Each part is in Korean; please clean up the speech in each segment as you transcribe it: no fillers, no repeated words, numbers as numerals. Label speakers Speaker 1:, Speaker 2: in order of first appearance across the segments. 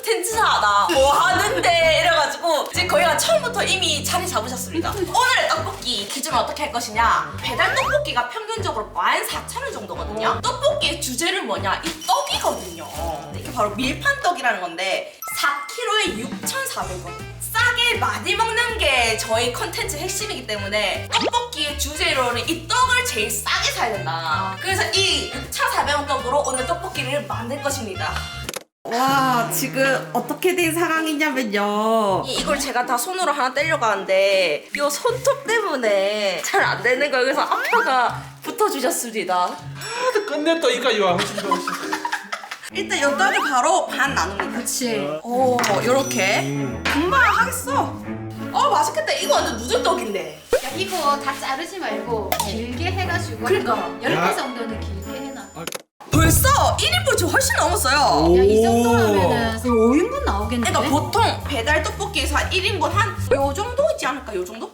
Speaker 1: 콘텐츠 하다 뭐 하는데 이래가지고 이제 거기가 처음부터 이미 자리 잡으셨습니다. 오늘의 떡볶이 기준은 어떻게 할 것이냐, 배달 떡볶이가 평균적으로 14,000원 정도거든요. 떡볶이의 주제는 뭐냐, 이 떡이거든요. 이게 바로 밀판떡이라는 건데 4kg에 6,400원. 싸게 많이 먹는 게 저희 컨텐츠 핵심이기 때문에 떡볶이의 주제로는 이 떡을 제일 싸게 사야 된다. 그래서 이 6,400원 떡으로 오늘 떡볶이를 만들 것입니다.
Speaker 2: 와, 지금 어떻게 된 상황이냐면요.
Speaker 1: 이걸 제가 다 손으로 하나 떼려고 하는데 이 손톱 때문에 잘 안 되는 거예요. 그래서 아빠가 붙어주셨습니다.
Speaker 3: 끝냈다 이까지 와.
Speaker 1: 일단 이 떡을 바로 반 나눕니다.
Speaker 2: 그치.
Speaker 1: 오, 요렇게 금방 하겠어. 맛있겠다. 이거 완전 누들떡인데.
Speaker 4: 야, 이거 다 자르지 말고 길게 해가지고
Speaker 1: 그러니까.
Speaker 4: 10개 정도는 길게 해놔.
Speaker 1: 벌써 1인분 좀 훨씬 넘었어요.
Speaker 4: 야, 이 정도라면은 5인분 나오겠는데?
Speaker 1: 그러니까 보통 배달 떡볶이에서 한 1인분 한 요 정도 있지 않을까? 요 정도?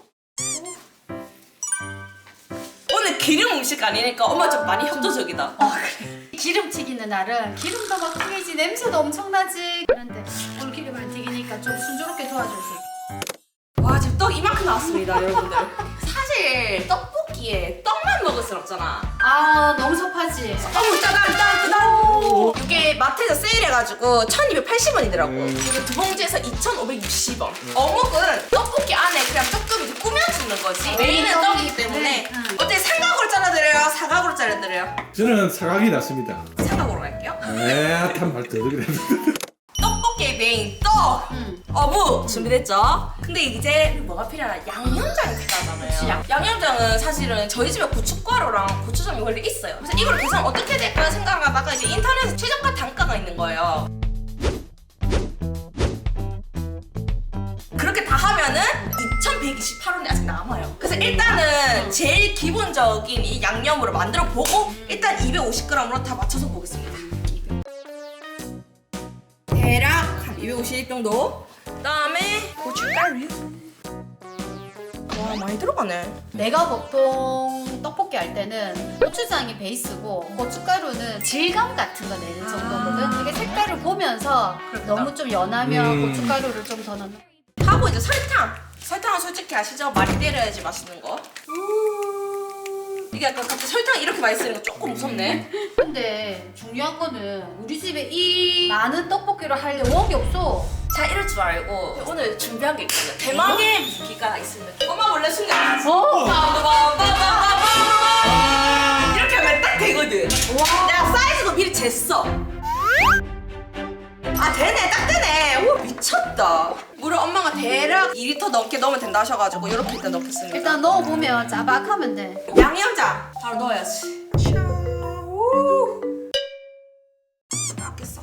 Speaker 1: 오늘 기름 음식 아니니까 엄마 좀 많이 협조적이다.
Speaker 4: 기름 튀기는 날은 기름도 막 튀기지, 냄새도 엄청나지. 그런데 오늘 기름 안 튀기니까 좀 순조롭게 도와줄 수 있어.
Speaker 1: 와, 지금 떡 이만큼 나왔습니다, 여러분들. 사실 떡볶이에 떡만 먹을 순 없잖아.
Speaker 4: 아, 너무 섭하지?
Speaker 1: 짜잔! 이게 마트에서 세일해가지고 1,280원이더라고. 그리고 두 봉지에서 2,560원. 어묵은 떡볶이 안에 그냥 조금 이제 꾸며주는 거지. 메인은 떡이기 때문에. 어때, 삼각으로 잘라드려요? 사각으로 잘라드려요?
Speaker 3: 저는 사각이 났습니다.
Speaker 1: 사각으로 갈게요.
Speaker 3: 한말 더 그래.
Speaker 1: 떡볶이의 메인 떡! 어묵 준비됐죠? 근데 이제 뭐가 필요하나? 양념장이 필요하잖아요. 양념장은 사실은 저희 집에 고춧가루랑 고추장이 원래 있어요. 그래서 이걸 계산 어떻게 될까 생각하다가 이제 인터넷에 최저가 단가가 있는 거예요. 그렇게 다 하면은 2,128원이 아직 남아요. 그래서 일단은 제일 기본적인 이 양념으로 만들어 보고 일단 250g으로 다 맞춰서 보겠습니다. 대략 한 250 정도. 그다음에 고춧가루. 와, 많이 들어가네.
Speaker 4: 내가 보통 떡볶이 할 때는 고추장이 베이스고 고춧가루는 질감 같은 거 내는 정도거든. 이게 색깔을 보면서 너무 좀 연하면 고춧가루를 좀 더 넣는.
Speaker 1: 하고 이제 설탕. 설탕은 솔직히 아시죠? 많이 때려야지 맛있는 거. 이게 약간 갑자기 설탕 이렇게 많이 쓰는 거 조금 무섭네.
Speaker 4: 근데 중요한 거는 우리 집에 이 많은 떡볶이를 할 원이 없어.
Speaker 1: 자, 이럴 줄 알고 오늘 준비한 게 있거든요. 대망의 무기가 있습니다. 엄마 원래 순간 이렇게 하면 딱 되거든. 내가 사이즈도 미리 쟀어. 아, 되네, 딱 되네. 오, 미쳤다. 물을 엄마가 대략 2리터 넘게 넣으면 된다 하셔가지고 이렇게 일단 넣겠습니다.
Speaker 4: 일단 넣어보면 자박하면 돼.
Speaker 1: 양념장 바로 넣어야지. 자, 오. 아꼈어.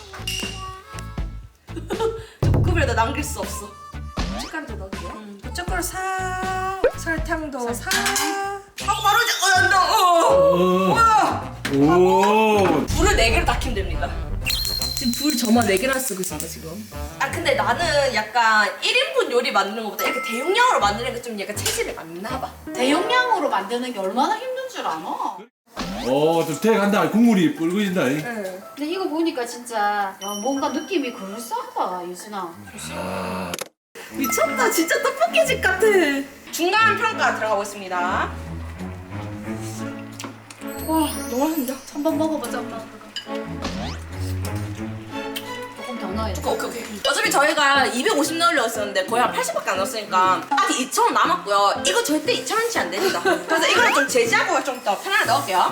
Speaker 1: 조금이라도 남길 수 없어. 고춧가루도 넣을게요. 고춧가루 사, 설탕도 사. 하고 바로 이제 뭐야?
Speaker 3: 오.
Speaker 1: 불을 4개로 다 켜면 됩니다. 지금 불 저만 4개나 쓰고 있습니다, 지금. 아, 근데 나는 약간 1인분 요리 만드는 것보다 이렇게 대용량으로 만드는 게 좀 약간 체질이 맞나 봐.
Speaker 4: 대용량으로 만드는 게 얼마나 힘든 줄 아나?
Speaker 3: 좀 돼간다. 국물이 붉어진다.
Speaker 1: 응.
Speaker 4: 근데 이거 보니까 진짜 야, 뭔가 느낌이 그럴싸하다, 유진아.
Speaker 1: 미쳤다, 진짜 떡볶이 집 같아. 중간 평가 들어가 보겠습니다. 와, 너무 맛있는데?
Speaker 4: 한번 먹어보자, 엄마. 조금 더 넣어야 돼.
Speaker 1: 오케이. 어차피 저희가 250 넣으려고 했었는데 거의 한 80밖에 안 넣었으니까 아직 2,000원 남았고요. 이거 절대 2,000원치 안 됩니다. 그래서 이거를 좀 제지하고 좀 더 편하게 넣을게요.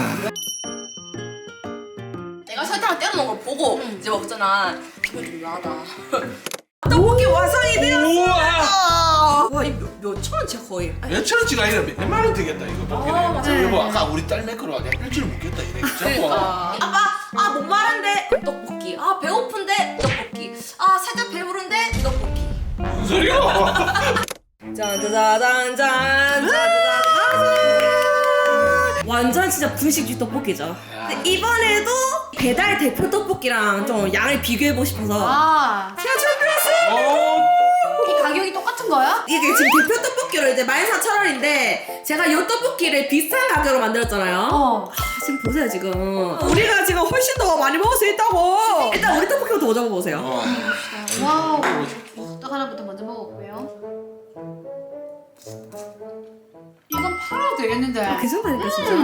Speaker 1: 내가 설탕을 떼어놓은 걸 보고 이제 먹잖아. 기분 좀 나다. 떡볶이 완성이 되었어. 와, 이 몇 천 원치야 거의.
Speaker 3: 몇 천원치가 아니라 몇만 원 되겠다 이거 떡볶이네. 여보 아까 우리 딸 매크로 하게 일주일 묵겠다 이래.
Speaker 1: 그러니까. 아빠, 목마른데 떡볶이. 아, 배고픈데 떡볶이. 아, 살짝 배부른데 떡볶이.
Speaker 3: 무슨 소리야?
Speaker 1: 짠짜자잔 짠짜자잔. 완전 진짜 분식집 떡볶이죠. 근데 이번에도 배달 대표 떡볶이랑 좀 양을 비교해보고 싶어서
Speaker 4: 아,
Speaker 1: 제가 준비했어요.
Speaker 4: 이 가격이 똑같은 거야?
Speaker 1: 이게 지금 대표 떡볶이로 이제 14,000원인데 제가 이 떡볶이를 비슷한 가격으로 만들었잖아요.
Speaker 2: 지금 보세요 지금 우리가 지금 훨씬 더 많이 먹을 수 있다고. 일단 우리 떡볶이부터 먼저 먹어보세요.
Speaker 4: 와우. 떡 하나부터 먼저 먹어볼게요. 이건 팔아도 되겠는데.
Speaker 2: 괜찮다니까 진짜.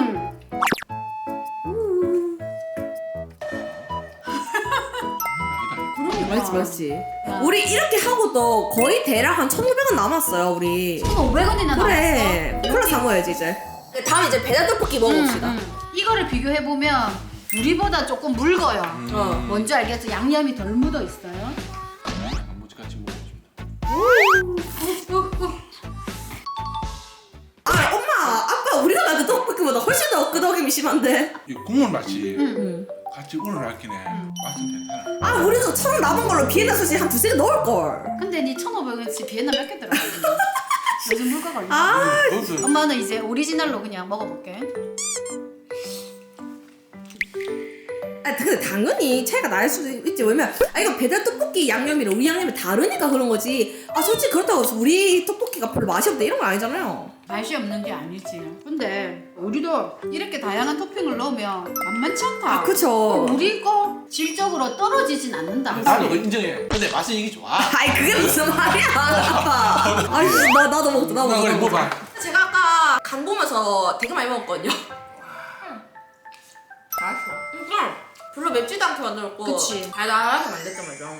Speaker 2: 맛있지 맛있지. 우리 이렇게 하고도 거의 대략 한 1,500원 남았어요 우리.
Speaker 4: 1,500원이나
Speaker 2: 그래 콜라 사 먹어야지 이제.
Speaker 1: 다음에 이제 배달 떡볶이 먹어봅시다.
Speaker 4: 이거를 비교해보면 우리보다 조금 묽어요. 뭔지 알겠어? 양념이 덜 묻어 있어요.
Speaker 3: 단무지같이 먹어줍니다.
Speaker 2: 아 엄마 아빠 우리가 만든 떡볶이보다 훨씬 더 끄덕임이 심한데.
Speaker 3: 이 국물 맛이 같이 우러나긴 해. 맛은 괜찮아.
Speaker 2: 아 우리도 1,000원 남은 걸로 비엔나 소시 한 2-3개 넣을걸.
Speaker 4: 근데 니 1,500원치 비엔나 몇 개 들어가니? 요즘 물가 걸려.
Speaker 2: 아
Speaker 3: 그것은
Speaker 4: 엄마는 이제 오리지널로 그냥 먹어볼게.
Speaker 2: 근데 당연히 차이가 날 수도 있지. 왜냐면 이거 배달 떡볶이 양념이랑 우리 양념이 다르니까 그런 거지. 솔직히 그렇다고 해서 우리 떡볶이가 별로 맛이 없다 이런 거 아니잖아요.
Speaker 4: 맛이 없는 게 아니지. 근데 우리도 이렇게 다양한 토핑을 넣으면 만만치 않다.
Speaker 2: 그쵸.
Speaker 4: 우리 거 질적으로 떨어지진 않는다.
Speaker 3: 나도 그거 인정해. 근데 맛은 이게 좋아.
Speaker 2: 그게 무슨 말이야 아빠. 나도 먹었다 나도
Speaker 3: 그래
Speaker 2: 먹었다.
Speaker 3: 먹어봐.
Speaker 1: 제가 아까 간 보면서 되게 많이 먹었거든요. 맛있어. 그러니까 별로 맵지도 않게 만들었고
Speaker 4: 그치.
Speaker 1: 달달하게 만들었단 말이야.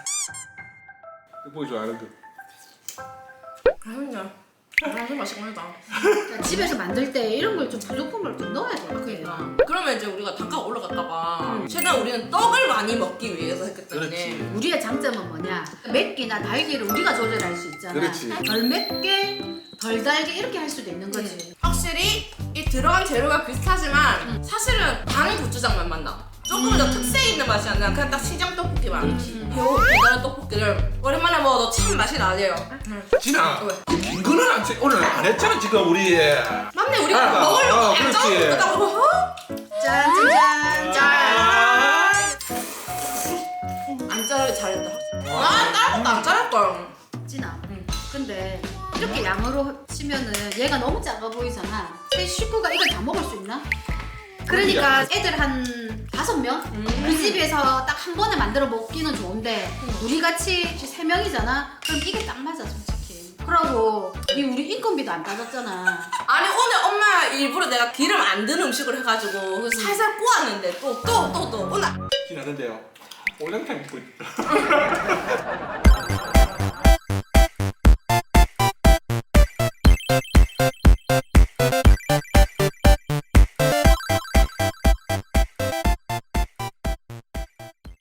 Speaker 3: 떡볶이 좋아하는 거.
Speaker 1: 아주 맛있긴 하다.
Speaker 4: 그러니까 집에서 만들 때 이런 걸 좀 부속품을 좀 넣어야 돼.
Speaker 1: 그러니까. 그러면 이제 우리가 단가가 올라갈까봐 최대한 우리는 떡을 많이 먹기 위해서 했기 때문에
Speaker 3: 그렇지.
Speaker 4: 우리의 장점은 뭐냐? 맵기나 달기를 우리가 조절할 수 있잖아.
Speaker 3: 그렇지.
Speaker 4: 덜 맵게, 덜 달게 이렇게 할 수도 있는 거지.
Speaker 1: 확실히 이 들어간 재료가 비슷하지만 사실은 단 고추장만 만나. 조금 더 특색 있는 맛이 안 나. 그냥 딱 시장 떡볶이만. 배달 떡볶이를 오랜만에 먹어도 참 맛이 나네요.
Speaker 3: 진아.
Speaker 1: 왜?
Speaker 3: 긴 거는 오늘 안 했잖아 지금 우리.
Speaker 1: 맞네, 우리가
Speaker 3: 아,
Speaker 1: 먹으려고
Speaker 3: 그렇지.
Speaker 1: 약간 먹었다고.
Speaker 4: 짠짠짠.
Speaker 1: 안 자르기 잘했다. 다른 안 자를걸.
Speaker 4: 진아. 근데 이렇게 양으로 치면은 얘가 너무 작아 보이잖아. 새 식구가 이걸 다 먹을 수 있나? 그러니까 애들 한 5명? 그 집에서 딱 한 번에 만들어 먹기는 좋은데 우리 같이 3명이잖아? 그럼 이게 딱 맞아 솔직히. 그러고 이 우리 인건비도 안 따졌잖아.
Speaker 1: 아니 오늘 엄마 일부러 내가 기름 안 든 음식을 해가지고 살살 구웠는데 또 오늘
Speaker 3: 진아 근데요. 올랑탕 먹고 있다.